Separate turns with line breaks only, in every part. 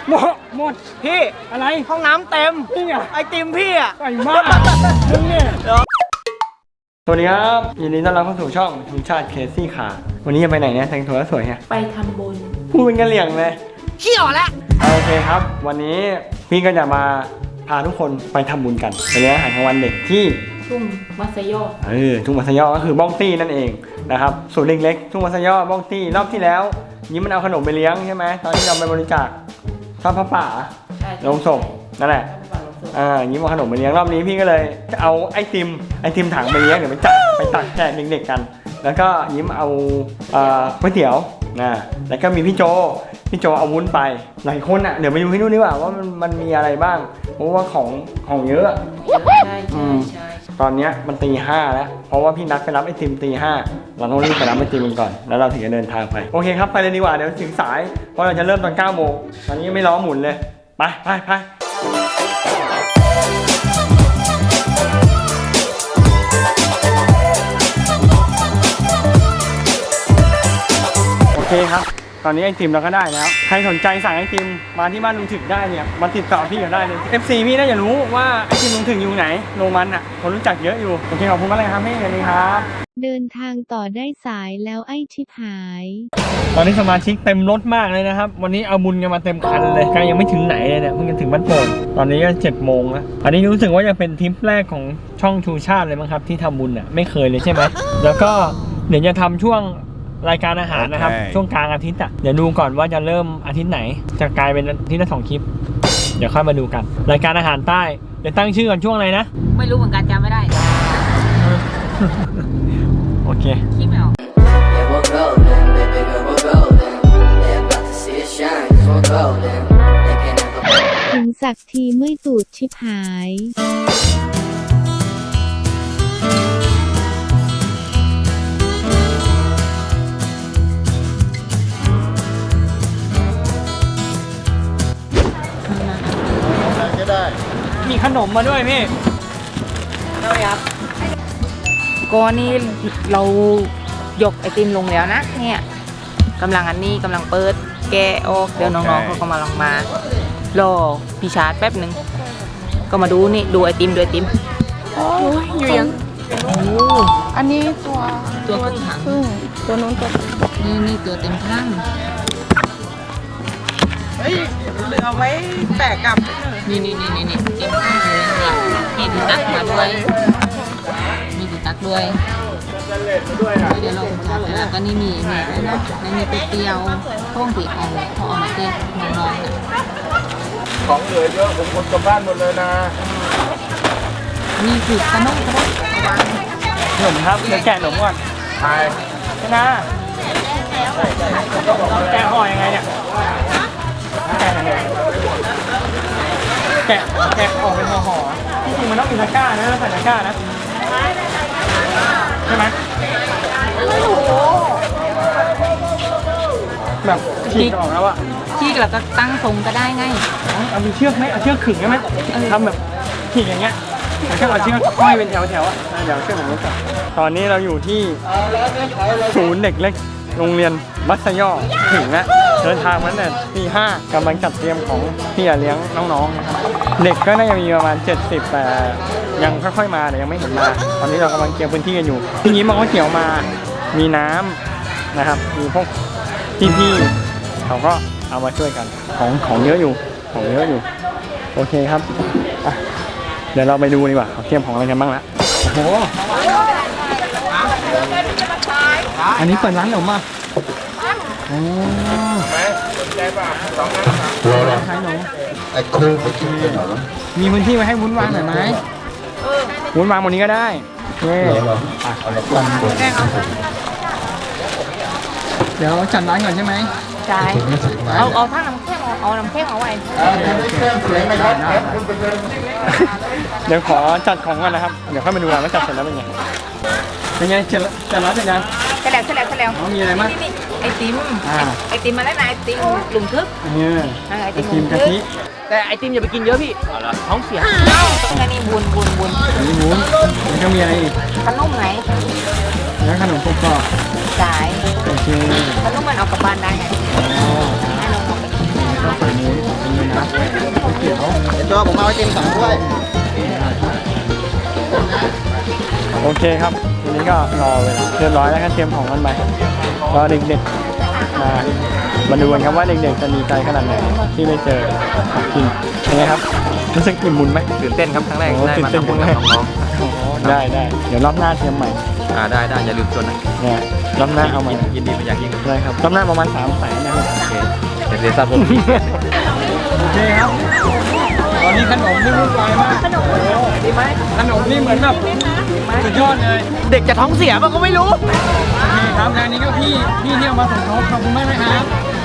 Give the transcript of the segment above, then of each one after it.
หมด
พี่
อะไร
ห้องน้ำเต็ม
นี่ไง
ไอติมพี่อ่ะ
ไก่มากมึงเนี่ยสวัสดีครับยินดีต้อนรับเข้าสู่ช่องทุนชาติเคซี่ขาวันนี้จะไปไหนเนี่ยแต่งตัวสวยเนี่ย
ไปทำบุญ
พูดเป็นกะเหรี่ยงเลย
ขี้อ่อนแล้ว
โอเคครับวันนี้พี่ก็จะมาพาทุกคนไปทำบุญกันไปเลี้ยงอาหารกลางวันเด็กที่
ทุ่งมัสยอ
ทุ่งมัสยอก็คือบ้องตี้นั่นเองนะครับศูนย์เล็กๆทุ่งมัสยอบ้องตี้รอบที่แล้วยิ้มมันเอาขนมไปเลี้ยงใช่ไหมตอนที่เราไปบริจาคทอดผ้าป่าลงศพนั่นแหละยิ้มเอาขนมไปเลี้ยงรอบนี้พี่ก็เลยจะเอาไอติมถังไปเลี้ยงเดี๋ยวไปตักแจกเด็กๆกันแล้วก็ยิ้มเอาก๋วยเตี๋ยวนะแล้วก็มีพี่โจเอาวุ้นไปหลายคนอ่ะเดี๋ยวไปดูที่นู่นดีกว่าว่ามันมีอะไรบ้างเพราะว่าของเยอะ
ใช่
ตอนนี้มันตี 5แล้วเพราะว่าพี่นัดไปรับไอติมตี 5เราต้องรีบไปรับไอติมกันก่อนแล้วเราถึงจะเดินทางไปโอเคครับไปเลยดีกว่าเดี๋ยวถึงสายเพราะเราจะเริ่มตอน 9 โมงตอนนี้ยังไม่ล้อหมุนเลยไปโอเคครับตอนนี้ไอติมเราก็ได้แล้วใครสนใจสั่งไอติมมาที่บ้านลุงถึกได้เนี่ยมาติดต่อพี่ก็ได้เลย FC พี่น่าจะรู้ว่าไอติมลุงถึกอยู่ไหนโรงมันอ่ะคนรู้จักเยอะอยู่โอเคขอบคุณมากเลยครับพี่สวัสดีครับ
เดินทางต่อได้สายแล้วไอ้ชิบหาย
ตอนนี้สมาชิกเต็มรถมากเลยนะครับวันนี้เอาบุญกันมาเต็มคันเลยก็ยังไม่ถึงไหนเลยเนี่ยเพิ่งจะถึงบ้านโป่งตอนนี้ก็7 โมงแล้วอันนี้รู้สึกว่าจะเป็นทริปแรกของช่องชูชาติเลยมั้งครับที่ทำบุญอ่ะไม่เคยเลยใช่ไหมแล้วก็เดี๋ยวจะทำช่วงรายการอาหารนะครับช่วงกลางอาทิตย์อ่ะเดี๋ยวดูก่อนว่าจะเริ่มอาทิตย์ไหนจะกลายเป็นอาทิตย์ละ2 คลิปเดี๋ยวค่อยมาดูกันรายการอาหารใต้เดี๋ยวตั้งชื่อก่อนช่วงอะไรนะ
ไม่รู้เหมือนกันจำไม่ได้
โอเค
คิดไม่ออก
ถึงสักทีเมื่อยตูดชิบหาย
มีขนมมาด้วยพี่
ได้ครับก็นี่เรายกไอติมลงแล้วนะเนี่ยกำลังเปิดแกะออกเดี๋ยวน้องๆเขาก็มาลองมารอพี่ชาร์จแป๊บหนึ่งก็มาดูนี่ดูไอติม
โอ้ยอยู่ยังอันนี้
ตัวครึ่งถัง
ตัวนู้นตัว
นี่ตัวเต็มถัง
เฮ้ยเหลือไว้แตะกลับ
นี่เต็มถังเลยนี่ดูตักมาด้วยมีดูตักด้วยเดี๋ยวเราจะแล้วก็นี่มีนะนี่ไปเตียวห้องปีเอาพอเอามาเต้นน้องๆ
ของเหลือเยอะผมคนกลับบ้านหมดเลยนะ
นี่คือขนม
ครับเดี๋ยวแกะขนมก่อนใช่นะแกะห่อยังไงเนี่ยแกะออกเป็นห่อที่จริงมันต้องมีตะกร้านะใส่ตะกร้านะใช่ไหมแบบฉีกออกแล้วอะ
ฉีกแล้วก็ตั้งทรงก็ได้ไง
เอามีเชือกไหมเอาเชือกขึงได้ไหมทำแบบฉีกอย่างเงี้ยแล้วก็เอาเชือกห้อยเป็นแถวอะเดี๋ยวเชือกผมรู้จักตอนนี้เราอยู่ที่ศูนย์เด็กเล็กโรงเรียนมัธยมถึงแล้วเดินทางมาตั้งแต่ตี 5กำลังจัดเตรียมของที่จะเลี้ยงน้องๆนะครับเด็กก็น่าจะมีประมาณ70แต่ยังค่อยๆมาแต่ยังไม่เห็นมาตอนนี้เรากำลังเตรียมพื้นที่กันอยู่ทีนี้มองว่าเกี่ยวมามีน้ำนะครับมีพวกพี่ๆเขาก็เอามาช่วยกันของเยอะอยู่โอเคครับเดี๋ยวเราไปดูดีกว่าเขาเตรียมของอะไรกันบ้างละโอ้โหอันนี้เปิดร้านขนมอ่ะโอ้ขายขนมมีพื้นที่ไว้ให้วุ้นวางหน่อยไหมวุ้นวางบนนี้ก็ได้เดี๋ยวจัดร้านก่อนใช่ไหม
ใช่เอาทั้งน้ำแข็งเอาน้ำแข็งเอาไว้
เดี๋ยวขอจัดของก่อนนะครับเดี๋ยวค่อยมาดูว่าจัดเสร็จแล้วเป็นไงจัดร้านเสร็จยัง
เสร็จแล้ว
มีอะไรบ้าง
ไอติมมาแล้วนะไอติมหลุมทึก
ไอติมกะทิ
แต่ไอติมอย่าไปกินเยอะพี่ท้องเสีย
อันนี้บุญ
อันนี้วุ้นแล้วก็มีอะไรอีก
ขนมไหน
แล้วขนมกรอบ
สายขนมมันเอากลับบ้านได้ไงให้น้องๆไปกิน
ก็ใส่วุ้นเป็นเม
ผมเอาไอติม2 ถ้วย
โอเคครับทีนี้ก็รอเวลาเรียบร้อยแล้วก็เตรียมของกันไปรอเด็กๆมาดูกันครับว่าเด็กๆจะดีใจขนาดไหนที่ได้เจอของกินเป็นไงครับรู้สึกอิ่มบุญไหม
ตื่นเต้นครับครั้งแรก
โอ้
ได้
ตื่น
มา
เต้น
ทำบุญ
ครั้
กับ
งแรก
น้อง
ได้เดี๋ยวรอบหน้าเตรียมใหม่
ๆได้อย่าลืมชวนนะ
เนี่ยรอบหน้าเอาใหม่
ยินดีเป็นอย่างยิ่ง
ได้ครับรอบหน้าประมาณ300,000นะครับ
โอเคเดี๋ยวเสียทราบผม
โอเคครับตอนนี้ขนมนี่วุ่นวายมากขนมดีไหมขนมนี่เหมือนแบบสุดยอดเลย
เด็กจะท้องเสียมันก็ไม่รู้
โอเคครับงานนี้ก็พี่ที่เอามาสมทบขอบคุณมากนะครับ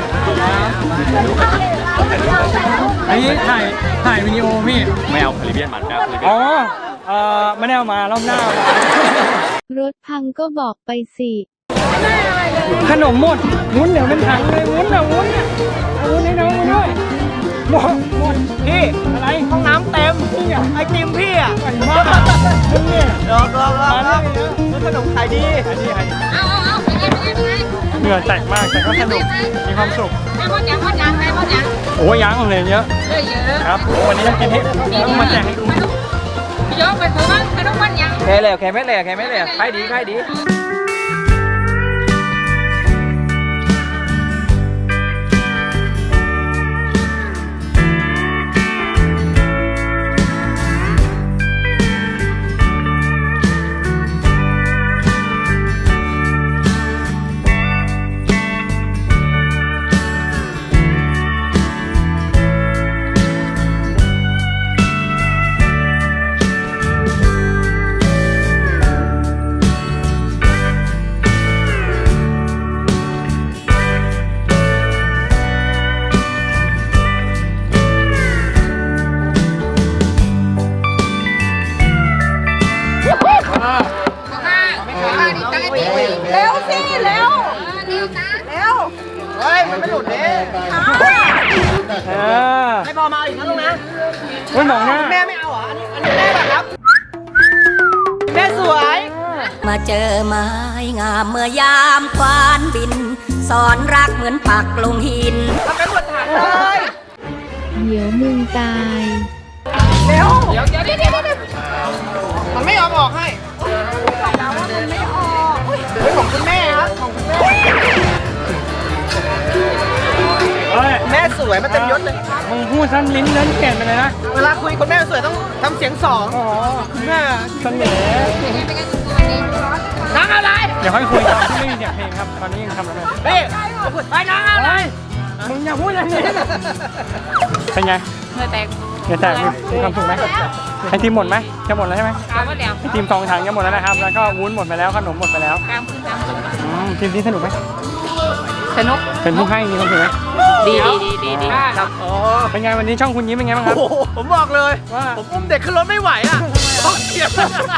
อันนี้ถ่ายวิดีโอพี่
ไม่เอาคาริเบียนหมันครับ
อ๋อไม่ได้เอามารอบหน้าเอามาร
ถพังก็บอกไปสิ
ขนมหมดวุ้นเดี๋ยวเป็นถังเลยวุ้นอ่ะวุ้นอ่ะเอาวุ้นให้น้องมาด้วยหมด
พี่
อะไร
ห้องน้ำเต็ม
นี่อ่ะ
ไอติมพี่อ่ะ
ใส่มากนี่
รอขนมขายดี
เหงื่อแตกมากแต่ก็สนุกมีความสุข
ได้หมดยังได้หมดยัง
โอ้ยยังเลยเยอะ
เยอะ
ครับโอ้วันนี้จะกินให้ต้องมาแจกให้ดู
พี่ยกไปซื้อบ้างขนมมันยัง
แค่เลยขายดี
เร็วสิเร็วเร็ว
เฮ้ยมันไม่หลุดเนี่ย ไม่พอมาอีกนะลุงนะ
เฮ้ยมองหน้า
แม่ไม่เอาเหรอ อันนี้แม่แบบครับ แม่สวย
มาเจอไม้งามเมื่อยามควานบิน สอนรักเหมือนปักลงหิน
ทำเป็นหมดถามเลย
เดี๋ยวมึงตาย
เร็ว
เดี๋ยว
มันไม่ยอมออกให้มันไม่ออกเฮ้ยของคุณแม่ครับ ของคุณแม่
เฮ้ย
แม่สวยมันเต็มยศเลย
มึงพูดสั้นลิ้นเล่นเปลี่ยนไปเลยนะ
เวลาคุยคุณแม่สวยต้องทำเสียงสอง
อ๋อ
คุณแม่
เสน่ห์
น้องอะไร
เดี๋ยวค่อยคุยตอนที่ไม่มีเสียงเพลงครับ ตอนนี้ยังทำอะไร
นี่ไปน้องอะไร
มึงอย่าพูดอย่างนี้เป็นไง
เมื่อแตก
เดี๋ยวแต่มีความสุขไหมไอติมหมดไหมจะหมดแล้วใช่ไหม
กามหมดแล้ว
ไอติม2 ถังจะหมดแล้วนะครับ แล้วก็วุ้นหมดไปแล้ว ขนมหมดไปแล้ว
กามขึ้นกามขึ้น
ทีมนี้สนุกไหม
สนุก
เป็นผู้ให้มีความสุขไหม
ดีครับ
อ๋อ
เป็นไงวันนี้ช่องคุณยิ้มเป็นไงบ้างครับ
โอ้โหผมบอกเลย
ว่า
ผมอุ้มเด็กขึ้นรถไม่ไหวอ่ะต้องเกียบ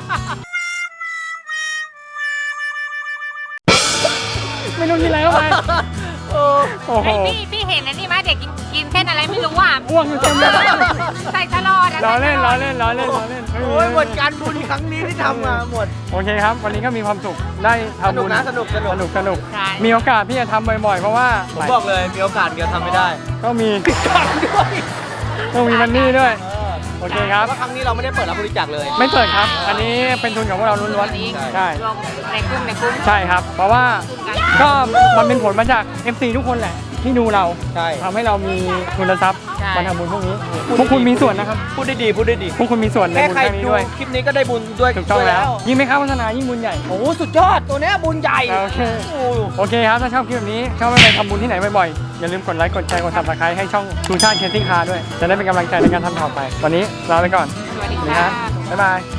ไม่รู้กินอะไรเข้าไปโอ้โห
พี่เห็นอันนี้ไหมเด็กกินเส้นอะไรไม่รู้อ่ะ
อ้วกอยู่เต็มเลย
ใส่ตลอด
ล้อเล่นล้อเล่นล้อเล่นล้อเล่น
โอ้ยหมดการบุญครั้งนี้ที่ทำมาหมด
โอเคครับ วันนี้ก็มีความสุขได้ทำบุญ
สนุก
สนุกมีโอกาสที่จะทำบ่อยๆ เพราะว่า
ผมบอกเลยมีโอกาสเดียวทำไม่ได้
ก็มี
การด้วย
ต้องมีมันนี่ด้วย โอเคครับ
ว่าครั้งนี้เราไม่ได้เปิดรับบริจาคเลย
ไม่เปิดครับ อันนี้เป็นทุนของพวกเราล้วนๆใช่
รวมในกลุ่ม
ใช่ครับ เพราะว่าก็มันเป็นผลมาจาก FC ทุกคนแหละที่ดูเรา
ใช่
ทำให้เรามีทุนทรัพย์
ใช่
มาทำบุญพวกนี้ พวกคุณมีส่วนนะครับ
พูดได้ดี
พวกคุณมีส่วนใน
แค่
บุญ
ใคร
ครั้งนี้
ดู
ด้วย
คลิปนี้ก็ได้บุญด้วย
ถูกต้อง
ด้วย
แล้ว ยิ่งไม่เข้าโฆษณายิ่งบุญใหญ่
โอ้โหสุดยอดตัวเนี้ยบุญใหญ่
โอเค
โอ้
โอเคครับ ถ้าชอบคลิปแบบนี้ ชอบไปทำบุญที่ไหนบ่อยๆ อย่าลืมกดไลค์ กดแชร์ กด subscribe ให้ช่องชูชาติเคสติ้งคาร์ด้วย จะได้เป็นกำลังใจในการทำต่อไป วันนี้ลาไปก่อน
สวัสดี
สวัสดีค
ค่ะ
รับบ๊ายบาย